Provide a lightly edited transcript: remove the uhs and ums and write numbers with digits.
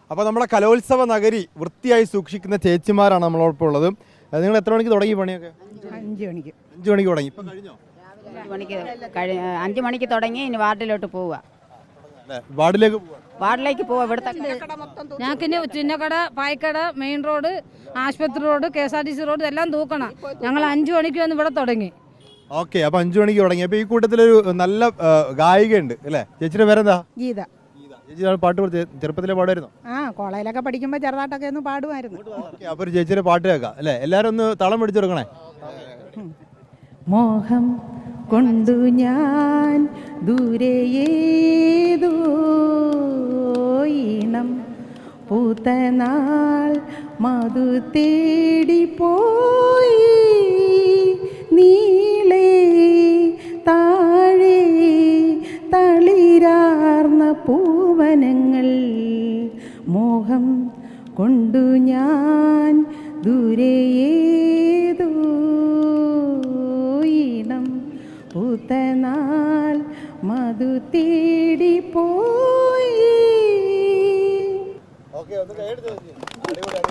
അപ്പോൾ നമ്മുടെ കലോത്സവ നഗരി വൃത്തിയായി സൂക്ഷിക്കുന്ന ചേച്ചിമാരാണ് നമ്മളോടൊപ്പം ഉള്ളത്. നിങ്ങൾ എത്ര മണിക്ക് തുടങ്ങി പണിയൊക്കെ? 5 മണിക്ക്. 5 മണിക്ക് തുടങ്ങി. ഇപ്പം കഴിഞ്ഞോ? 5 മണിക്ക് തുടങ്ങി. ഇനി വാർഡിലോട്ട് പോവുക. വാർഡിലേക്ക് പോവാ. ഇവിടുത്തെ ഞങ്ങൾക്ക് ഇനി ചിന്നക്കട, പായ്ക്കട, മെയിൻ റോഡ്, ആശുപത്രി റോഡ്, KSRTC റോഡ് എല്ലാം തൂക്കണം. ഞങ്ങൾ 5 മണിക്ക് വന്ന് ഇവിടെ തുടങ്ങി. ഓക്കെ, അപ്പൊ 5 മണിക്ക് തുടങ്ങി. അപ്പൊ ഈ കൂട്ടത്തിലൊരു നല്ല ഗായികയുണ്ട് അല്ലേ? ചേച്ചിയുടെ പേരെന്താ? ഗീത. ചേച്ചി പാട്ട് ചെറുപ്പത്തിലെ പാടുമായിരുന്നോ? കോളേജിലൊക്കെ പഠിക്കുമ്പോൾ ചെറുതായിട്ടൊക്കെ ഒന്ന് പാടുമായിരുന്നു. അപ്പൊ ഒരു ചേച്ചിയുടെ പാട്ട് കേൾക്കാം അല്ലേ? എല്ലാരും ഒന്ന് തളം പിടിച്ചു കൊടുക്കണേ. മോഹം കൊണ്ടു ഞാൻ ദൂരേതോ ഈണം പൂത്തനാൾ മധു തേടി പോയി നീളേ താഴെ തളിരാർന്ന പൂവനങ്ങൾ. മോഹം കൊണ്ടു ഞാൻ ദൂരേതോ ഈണം പൂത്തനാൾ മധു തേടി പോയി. ഓക്കെ, ഒന്ന് കൈ എടുത്ത് വെച്ച്. അടിപൊളി.